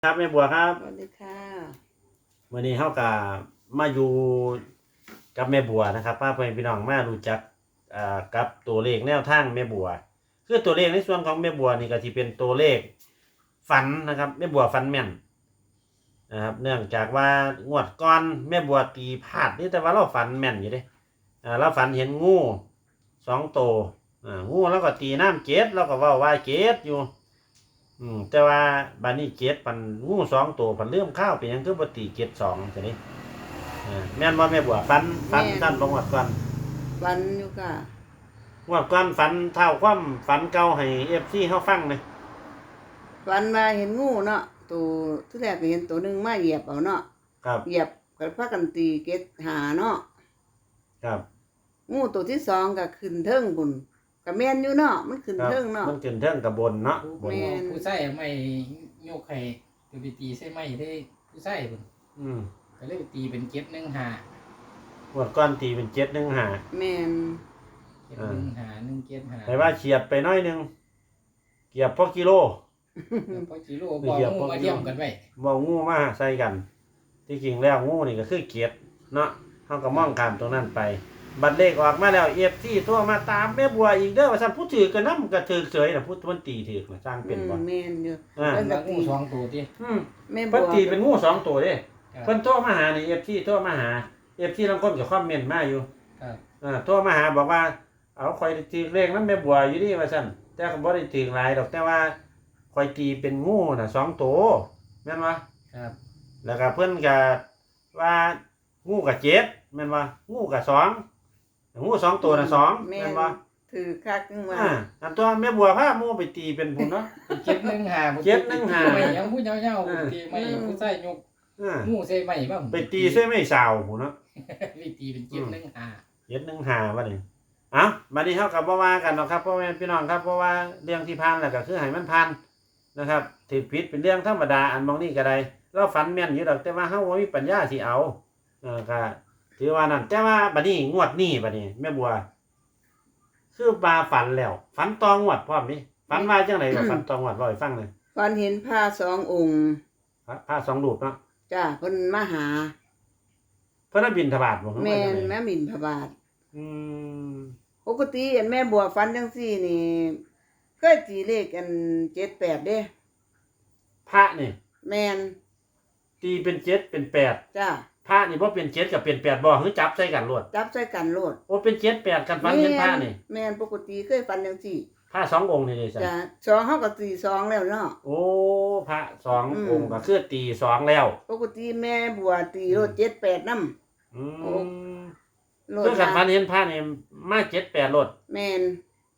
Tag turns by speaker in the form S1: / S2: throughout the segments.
S1: ครับแม่บัวครับ
S2: สวัสดีค่ะ
S1: วันนี้เฮากับมาอยู่กับแม่บัวนะครับพาพี่น้องมารู้จักกับตัวเลขแนวทางแม่บัวคือตัวเลขในส่วนของแม่บัวนี่ก็สิเป็นตัวเลขฝันนะครับแม่บัวฝันแม่นนะครับเนื่องจากว่างวดก่อนแม่บัวตีพลาดนี่แต่ว่าเราฝันแม่นอยู่เด้เราฝันเห็นงู2ตัวงูแล้วก็ตีน้ำเจ็ดแล้วก็ว่าเจ็ดอยู่แต่ว่าบานี้เจ็ดปันงู2 ตัวปันเริ่มข้าวเป็นยังคือบ่ตีเจ็ด2จังนี้แม่นบ่แม่บัวฝันสั้นบ่งวดก่อน
S2: วันอยู่ค่ะ
S1: งวดก่อนฝันเท่าความฝันเก่าให้ FC เฮาฟังเลย
S2: วันมาเห็นงูเนาะตัวที่แรกก็เห็นตัวหนึงมาเหยียบเอาเนาะ
S1: ครับ
S2: เหยียบก็พากันตีเกตหาเนาะ
S1: ครับ
S2: งูตัวที่สองก็ขึ้นเทิงบุญก็แม่นอยู่เนาะมันขึ้นเทิงเนาะ
S1: มันขึ้นเทิงกับบนเนาะบน
S3: ผู้ใส่ไม่โยกไข่ไปตีใส่ไม่ได้ผู้ใส่พุ่นก็เลยตีเป็นเก็บ1 5
S1: งวดก่อนตีเป็น7-1-5
S2: แม่น
S3: เก็บ1 5 1 7 5
S1: แต่ว่าเฉียดไปน้อยนึงเกียบพอกิโล
S3: พอกิโลบ่งูมาเทียมกันไว้
S1: บ่งูมาใส่กันที่จริงแล้วงูนี่ก็คือเกียดเนาะเฮาก็มองข้ามตรงนั้นไปบัตรเลขออกมาแล้ว FC โทรมาตามแม่บัวอีกเด้อว่าซั่นผู้ถือก็นำก็ถือเฉยน่ะผู้มันตีถือน่ะสร้างเป็นบ่
S2: แม่นอยู่
S3: เพิ่นก็งู2 ตัวติ
S2: แม่บัว
S1: เพิ่นตีเป็นงู2 ตัวเด้เพิ่นโทรมาหานี่ FC โทรมาหา FC ลางคนก็คอมเมนต์มาอยู่
S3: ครับ
S1: โทรมาหาบอกว่าเอาข่อยถือเลขนำแม่บัวอยู่ดิว่าซั่นแต่ก็บ่ได้ถือหลายดอกแต่ว่าข่อยตีเป็นงูน่ะ2 ตัวแม่นบ่
S3: ครับ
S1: แล้วก็เพิ่นก็ว่างูก็7แม่นบ่งูก็2งู2 ตัวน่ะ2แม่นบ่
S2: ถือคักนึงว่า
S1: อันตัวแม่บัวพาหมู่ไปตีเป็นพุ่นเนาะ
S3: เก็บ1 5
S1: 7-1-5
S3: ไม่ยังผู้ยาวๆตีไม่ผู้ใส่ยกงูใส่ไม่บ่
S1: ไปตีใส่ไม่สาวพุ่นเนาะ
S3: ไปตีเป็นเก็บ1 5
S1: 7-1-5ว่านี่เอ้าบัดนี้เฮาก็บ่ว่ากันเนาะครับพ่อแม่พี่น้องครับเพราะว่าเรื่องที่ผ่านแล้วก็คือให้มันผ่านนะครับถูกผิดเป็นเรื่องธรรมดาอันบางนี้ก็ได้เราฝันแม่นอยู่ดอกแต่ว่าเฮาบ่มีปัญญาสิเอาก็ถือว่านั่นแต่ว่าบัดนี้งวดนี้บัดนี้แม่บัวคือมาฝันแล้วฝันตองวดพร้อมนี่ฝันว่าจังได๋ก็ฝันตองวดเว้าให้ฟังเลย
S2: ฝันเห็นผ้า2 องค์
S1: พระ2รูปเนาะ
S2: จ้าเพิ่นมาหา
S1: เพิ่นบิณฑบาตบ่
S2: แม่นแม่บิณฑบาตปกติแม่บัวฝันจังซี่นี่เคยตีเลขกัน7-8เด้
S1: พระนี่
S2: แม่น
S1: ตีเป็น7เป็น8
S2: จ้า
S1: พระนี่บ่เป็น7กับเป็น8บ่คือจับใส่กันโลด
S2: จับใส่กันโลด
S1: โอ้เป็น7 8กันฝันเห็นพระนี่
S2: แม่นปกติเคยฝันจังซี่
S1: พระ2 องค์นี่เด้
S2: จ้ะ2เฮาก็ตี2แล้วเนาะ
S1: โอ้พระ2 องค์ก็คือตี2แล้ว
S2: ปกติแม่บัวตีโลด7-8นำ
S1: โลดคือกันฝันเห็นพระนี่มา7-8โลด
S2: แม่น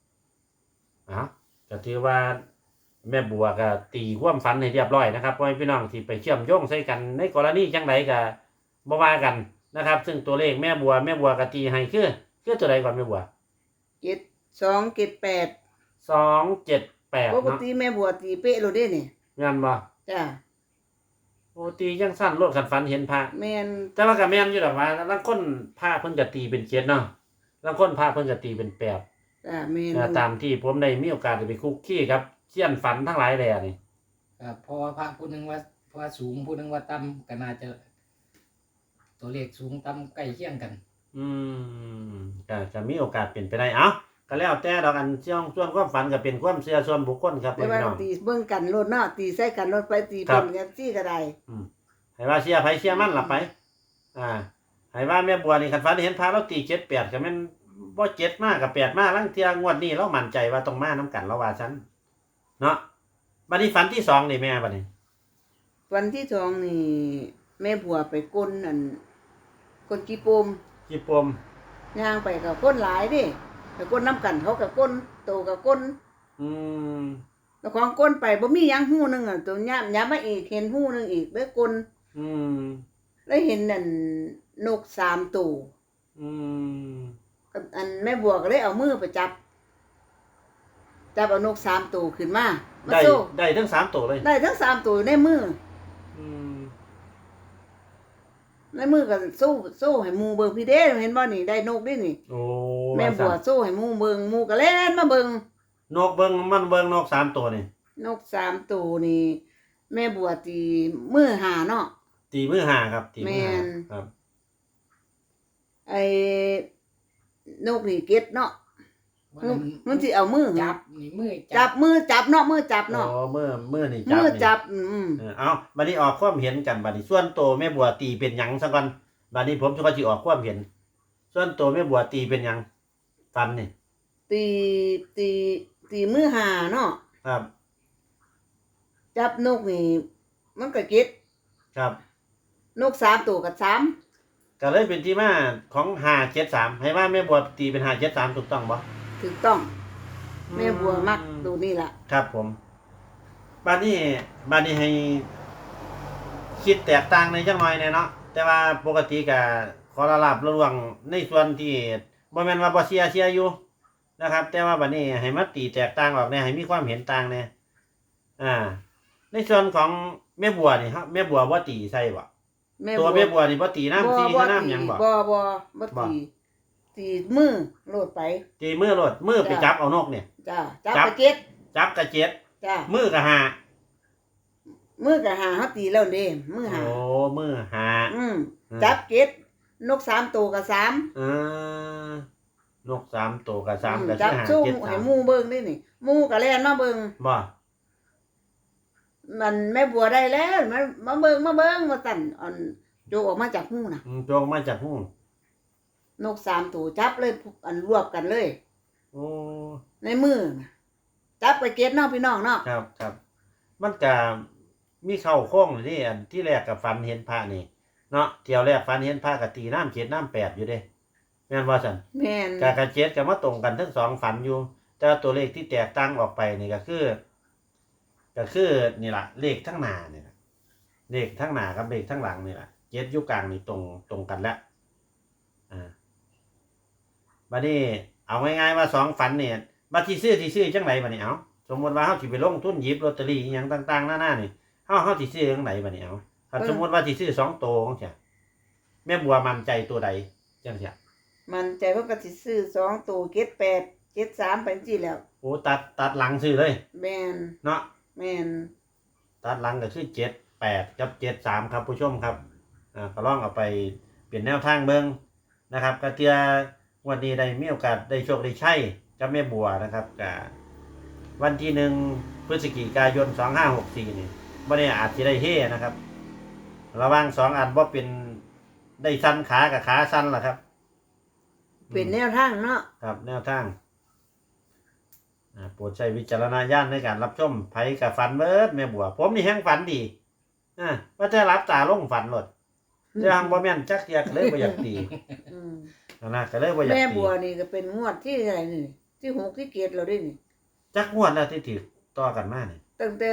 S1: ก็ถือว่าแม่บัวก็ตีความฝันให้เรียบร้อยนะครับพ่อพี่น้องที่ไปเชื่อมโยงใส่กันในกรณีจังไดก็บ่ว่ากันนะครับซึ่งตัวเลขแม่บัวก็ตีให้คือตัวใดก่อนแม่บัว
S2: 278ปกติแม่บัวตีเป๊ะโลดเด้นี่
S1: แม่นบ่
S2: จ้ะ
S1: โอ้ตีจังสั้นโลดคันฝันเห็นพระ
S2: แม่น
S1: แต่ว่าก็แม่นอยู่ดอกว่าลางคนพระเพิ่นก็ตีเป็น7เนาะลางคนพระเพิ่นก็ตีเป็น8
S2: จ้ะแม่น
S1: ตามที่ผมได้มีโอกาสได้ไปคุกคีกับเซียนฝันทั้งหลายแหล่นี่
S3: ครับเพราะว่าพระผู้นึงว่าสูงผู้นึงว่าต่ำก็น่าจะตัวเลขสูงต่ำใกล้เคียงกัน
S1: ก็จะมีโอกาสเป็นไปได้เอ้าก็แล้วแต่ดอกอันส่วนความฝันก็เป็นความเชื่อส่วนบุคคลครับ
S2: พี่น้องตีเบิ่งกันโลดเนาะตีใส่กันโลดไปตีเพิ่นกันซี่ก็ได้
S1: ให้ว่าเชื่อไผเชื่อมันล่ะไปให้ว่าแม่บัวนี่คันฝันเห็นพระเราตี7-8ก็แม่นบ่7มากับ8มาลางเที่ยงวดนี้เรามั่นใจว่าต้องมานํกันเราว่าซั่นเนาะบัดนี้ฝันที่2นี่แม่บัดนี้
S2: วันที่2นี่แม่บัวไปก้นก้นกี่ปมย่างไปกับก้นหลายเด้ไปก้นน้ำกันเขากับก้นโตกับก้นแล้วของก้นไปบ่มีหยังหู้นึงตัวย้ำมาอีกเห็นหู้นึงอีกเด้อก้นแล้วเห็นนั่นนก3ตัวอันแม่บัวก็เลยเอามือไปจับเอานก3ตัวขึ้นมา
S1: ได้ทั้ง3ตัวเลย
S2: ได้ทั้ง3ตัวในมือก็สู้ให้หมู่เบิ่งพี่เด้เห็นบ่นี่ได้นกดินี่
S1: โอ้
S2: แม่บัวสู้ให้หมู่เบิ่งหมู่ก็เล่นมาเบิ่ง
S1: นกเบิ่งมันเบิ่งนก3ตัวนี่
S2: นก3ตัวนี่แม่บัวตีมือหาเนาะ
S1: ตีมือหาครับตีมือหา
S2: แม่น
S1: ครับ
S2: ไอ้นกนี่เก็ดเนาะ
S3: วันนั้น
S2: มันสิเอามือ
S3: จับนี่มือ
S2: จับมือจับเนาะมือจับ
S1: อ๋อ
S2: เนาะ
S1: มือนี่จับ
S2: มือ
S1: นี่
S2: จับ
S1: เอาบัดนี้ออกความเห็นกันบัดนี้ส่วนโตวแม่บัวตีเป็นหยังซะก่อนบัดนี้ผมจะก็สิออกความเห็น ส่วนโตวแม่บัวตีเป็นหยังฟันนี่
S2: ตีตีตีมือหาเนาะ
S1: ครับ
S2: จับนกนี่มันก็เก็ด
S1: ครับ
S2: นก3ตัวกับ3
S1: ก็เลยเป็นที่มาของ573ให้ว่าแม่บัวตีเป็น573ถูกต้องบ่
S2: ถูกต้อง แม่บัวมักตัวนี้ล่ะ
S1: ครับผมบัดนี้ให้คิดแตกต่างในจังหน่อยแน่เนาะแต่ว่าปกติก็ขอละลาบระวังในส่วนที่บ่แม่นว่าบ่เชียร์อยู่นะครับ แต่ว่าบัดนี้ให้มาตีแตกต่างออกแน่ให้มีความเห็นต่างแน่ในส่วนของแม่บัวนี่ครับแม่บัวบ่ตีใส่บ่ ตัวแม่บัวนี่บ่ตีน้ำซีคือน้ำหยังบ่
S2: บ่ตีมือโลดไป
S1: ตีมือโลดมือไปจับเอานกเนี่ย
S2: จ้าจับ
S1: จับ
S2: ไปเก็ด
S1: จับกระเจ็ด
S2: จ้า
S1: มือก็หา
S2: มือก็หาเฮาตีแล้วเด้มือหา
S1: โอ้มือหา
S2: จับเก็ดนก3ตัวกับ3
S1: นก3ตัวกับ3กับ
S2: จับ
S1: หา
S2: สู้
S1: เจ็ด
S2: ให้
S1: 3
S2: หมู่เบิ่งนี่นี่หมู่ก็แล่นมาเบิ่ง
S1: บ่
S2: มันแม่บัวได้แล้วมาเบิ่งมาสั่นอันโจกออกมาจากหูน่ะ
S1: โจงมาจากหู
S2: นก3ตัวจับเลยอันรวบกันเลย
S1: โอ้
S2: ในมือน่ะจับไปเก็ดเนาะพี่น้องเนาะ
S1: ครับครับมันก็มีเข้าโค้งนี่อันที่แรกกับฟันเห็นพระนี่เนาะเที่ยวแรกฟันเห็นพระก็ตีน้ำ7น้ำ8อยู่เด้แม่นว่าซั่น
S2: แม่น
S1: กระเจ็ดก็มาตรงกันทั้งสองฝันอยู่ แต่ว่าตัวเลขที่แตกต่างออกไปนี่ก็คือนี่ล่ะเลขทั้งหน้านี่ล่ะเลขทั้งหน้ากับเลขทั้งหลังนี่ล่ะเจ็ดอยู่กลางนี่ตรงกันแล้วบัดนี้เอาง่ายๆว่าสองฝันเนี่ยบัดที่ซื้อจังไดบัดนี้เอาสมมุติว่าเฮาสิไปลงทุนหยิบลอตเตอรี่อีหยังต่างๆหน้าๆนี่เฮาสิซื้อจังไดบัดนี้เอาถ้าสมมุติว่าสิซื้อ2โตจังซี่แม่บัวมั่นใจตัวใดจังซี่
S2: มันใจเพิ่นก็สิซื้อ2ตัวเก็ด8เก็ด3ไปจังซี่แล้ว
S1: โอ้ตัดหลังซื้อเลย
S2: แม่น
S1: เนาะ
S2: แม่น
S1: ตัดหลังก็คือ78กับ73ครับผู้ชมครับก็ลองเอาไปเปลี่ยนแนวทางเบิ่งนะครับกระเทือวันนี้ได้มีโอกาสได้โชคได้ใช้กับแม่บัวนะครับก็วันที่1พฤศจิกายน2564นี่บ่ได้อาจสิได้เฮนะครับระหว่าง2อันบ่เป็นได้สั้นขากับขาสั้นล่ะครับ
S2: เป็นแนวทางเนาะ
S1: ครับแนวทางโปรดใช้วิจารณญาณในการรับชมไผกับฝันเบิดแม่บัวผมนี่แฮงฝันดีว่าจะรับตาลงฝันหลดจะหังบ่แม่นจักเทียก็เลยบ่อยากตี
S2: อืม
S1: นะก็เลยบ่อยาก
S2: แม่
S1: ตี
S2: บัวนี่ก็เป็นงวดที่อะไรนี่ที่6ที่7แล้วเด้นี่
S1: จักงวดแล้วที่ถือต่อกันมานี่
S2: ตั้งแต่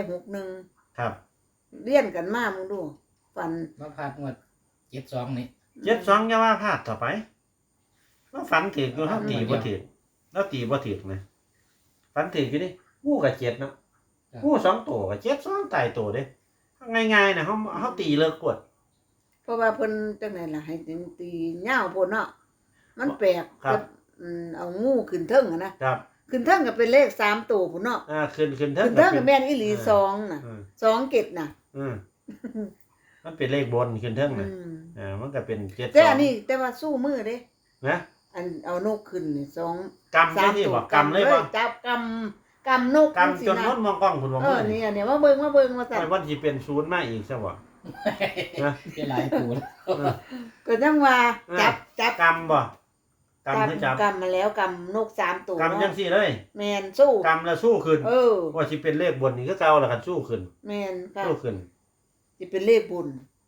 S2: 61
S1: ครับ
S2: เรียนกันมามึงดูฟัน
S3: มาพลาดงวด72นี่
S1: 72อย่าว่าพลาดต่อไปว่าฝันถืออยู่เฮาตีบ่ถือแล้วตีบ่ถือนะฝันถืออยู่นี่งูก็7เนาะงู2ตัวก็7 2ตายตัวเด้ง่ายๆนะเฮาตีเลิกกด
S2: เพราะว่าเพิ่นจังได๋ล่ะให้ตียาวพุ่นเนาะมันแปลก
S1: ครับ
S2: เอางูขึ้นเทิงอะนะครับ ขึ้นเทิงก็เป็นเลข3ตัวพุ่นเนาะ
S1: ขึ้นเทิ
S2: ขึ้
S1: ง
S2: นเทิงก็แม่นอีหลี2น่ะ2เกตน่ะ
S1: มันเป็นเลขบนขึ้นเทิง
S2: อื
S1: นะ
S2: ม
S1: มันก็เป็น7
S2: แต่อันนี้แต่ว่าสู้มือเด้
S1: นะ
S2: อันเอานกขึ้นนี่2
S1: กำได้ที่บ่กำเลยบ่
S2: จับกำนก
S1: กำจนน้นมองกล้องคุณบ่
S2: เอ
S1: มื
S2: อ
S1: อ
S2: เนี่ยเนี่ยมาเบิ่งว่าซั่น
S1: วันที่เป็นศูนย์มาอีกซะบ่นะ
S3: เป็นหลายตัว
S2: ก็จังว่าจับ
S1: กำบ่กำคือจับ
S2: กำมาแล้วกำนก3ตัว
S1: กำจังซี่เลย
S2: แม่นสู้
S1: กำแล้วสู้ขึ้น ว่าสิเป็นเลขบนนี่คือเก่าแล้วกันสู้ขึ้น
S2: แม่นค่ะ
S1: สู้ขึ้น
S2: สิเป็นเลขบุญ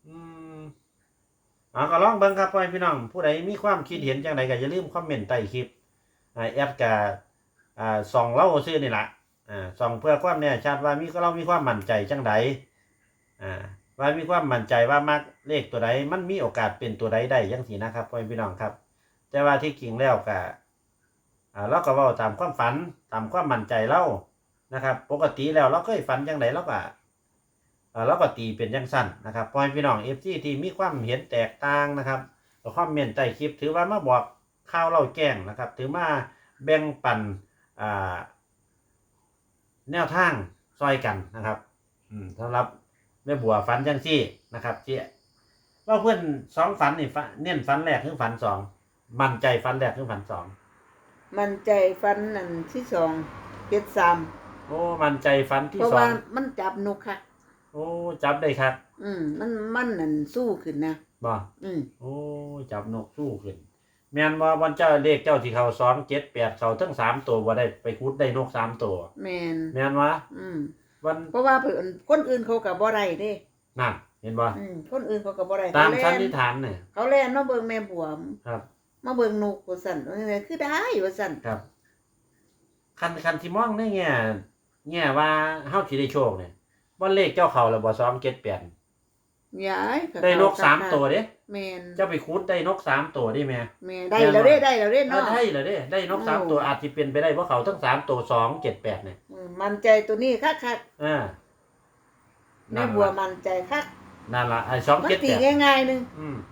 S1: ก็ลองเบิ่งครับพ่อพี่น้องผู้ใดมีความคิดเห็นจังไดก็อย่าลืมคอมเมนต์ใต้คลิปแอดก็ส่องเราซื่อนี่ล่ะส่องเพื่อความแน่ชัดว่าเรามีความมั่นใจจังไดว่ามีความมั่นใจว่ามักเลขตัวใดมันมีโอกาสเป็นตัวใดได้จังซี่นะครับพ่อพี่น้องครับ แต่ว่าที่จริงแล้วก็เราก็เว้าตามความฝันตามความมั่นใจเรานะครับปกติแล้วเราเคยฝันจังไดเราก็ตีเป็นจังสั้นนะครับพ่อพี่น้อง FC ที่มีความเห็นแตกต่างนะครับก็คอมเมนต์ใต้คลิปถือว่ามาบอกข่าวเล่าแจ้งนะครับถือมาแบ่งปันแนวทางซอยกันนะครับสำหรับแม่บัวฝันจังซี่นะครับเจ๊ว่าเพื่อนสองฝันนี่เน้นฝันแรกคือฝันสองมั่นใจฝันแรกคือฝันสอง
S2: มันใจฟันนั่นที่สองเป็ดซ้ำ
S1: โอ้มั่นใจฝันที่
S2: เพราะ
S1: สอ
S2: ว่าง มันจับนกค่ะ
S1: โอ้จับได้ครับ
S2: มันนั่นสู้ขึ้นนะ
S1: บ่
S2: โอ้
S1: จับนกสู้ขึ้นแม่นว่าวันเจ้าเลขเจ้าที่เขา278เขาทั้ง3ตัวบ่ได้ไปคุดได้นก3ตัว
S2: แม่น
S1: แม่นวะ วัน
S2: เพราะว่าเพิ่นคนอื่นเขาก็บ่ได้เด้
S1: นั่นเห็นบ่
S2: คนอื่นเขาก็บ่ได้
S1: ตาม
S2: เข
S1: สัน
S2: แล่
S1: นิษฐานเนี่ย
S2: เขาแล่นมาเบิ่งแม่บัว
S1: ครับ
S2: มาเบิ่งนกว่าซั่นว่าจังไดคือได้ว่าซั่น
S1: ครับคันที่มองในแง่ว่าเฮาสิได้โชคเนี่ยวันเลขเจ้าเขาแล้วบ่278
S2: ยายก็
S1: ได้นก
S2: เข้า
S1: 3ตัวเด้
S2: แม่น
S1: เจ้าไปคุดได้นก3ตัวได้แม่
S2: แม่ได้แล้วเด้ได้แล้วเด้
S1: เออ
S2: เนาะ
S1: ได้เหรอเด้ได้นก3ตัวอาจสิเป็นไปได้เพราะเขาทั้ง3ตัว278เนี่ย
S2: มันใจตัวนี้คัก
S1: อ่า
S2: ๆแม่บัวมันใจคัก
S1: นั่นล่ะไอ้
S2: มันตี
S1: 278
S2: ง่ายๆนึง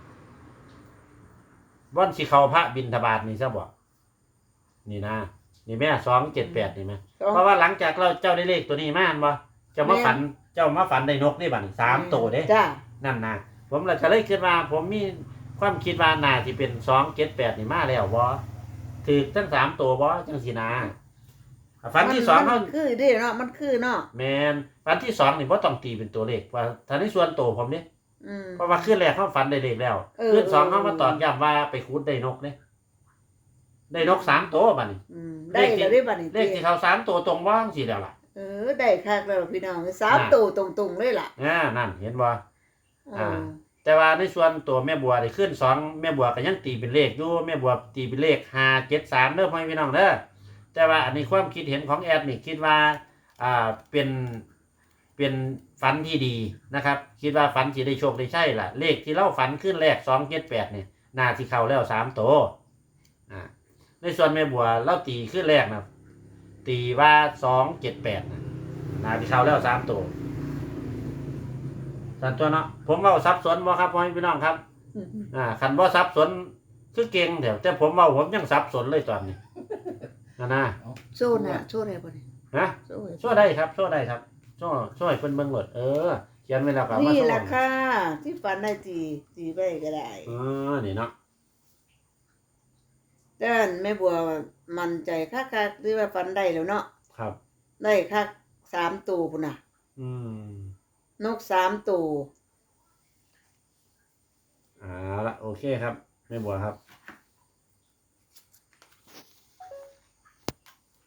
S1: วันสิเข้าพระบิณฑบาตนี่ซะบ่นี่นะนี่แม่278นี่แม่เพราะว่าหลังจากเจ้าได้เลขตัวนี้มาอันบ่เจ้ามาฝันได้นกนี่บัดนี้3ตัวเด้
S2: จ้า
S1: นั่นนะผมเลยก็เลยคิดว่า ผมมีความคิดว่าน่าสิเป็น278นี่มาแล้วบ่ถูกทั้ง3ตัวบ่จังซี่นะฝันที่2เฮา
S2: มันคือเด้เนาะมันคือเนาะ
S1: แม่นฝันที่2นี่บ่ต้องตีเป็นตัวเลขว่าถ้าในส่วนตัวผมนี่ เพราะว่าคืนแรกเขาฝันได้เลขแล้วคืน2เขามาตอกย้ำว่าไปขุดได้นกเด้ได้นก3ตัวบัดนี้
S2: ได้แล้วได้บัดนี้
S1: เลขที่เขา3ตัวตรงบ่จังซี่แล้วล่ะ
S2: ได้คักแล้วพี่น้อง3ตัวตรงๆเลยล่ะ
S1: นั่นเห็นบ่ แต่ว่าในส่วนตัวแม่บัวได้ขึ้น2แม่บัวก็ยังตีเป็นเลขอยู่แม่บัวตีเป็นเลข573เด้อพ่อพี่น้องเด้อแต่ว่าอันนี้ความคิดเห็นของแอดนี่คิดว่าเป็นฝันที่ดีนะครับคิดว่าฝันสิได้โชคได้ใช่ล่ะเลขที่เราฝันขึ้นแรก278นี่น่าสิเข้าแล้ว3ตัวในส่วนแม่บัวเราตีขึ้นแรกนะตีว่า278นะน่าสิเข้าแล้ว3ตัวสันตัวเนาะผมเว้าสับสนบ่ครับพ่อพี่น้องครับคันบ่สับสนคือเก่งแถวแต่ผมเว้าผมยังสับสนเลยตอนนี้นะ
S2: โซ่น่ะโซ่ได้บ่นี่
S1: ฮะโซ่ได้ครับโซ่ได้ครับโซ่ให้เพิ่นเบิ่งโลดเขียนไว้แล้วก็มา
S2: นี่
S1: โซ่
S2: ล่ะค่ะที่ฝันได้ตีไปก็ได้
S1: นี่เนาะ
S2: แต่แม่บัวมั่นใจคักๆหรือว่าฝันได้แล้วเนาะ
S1: ครับ
S2: ได้คัก3ตัวพุ่นน่ะนก3ตัว
S1: ละโอเคครับแม่บัวครับ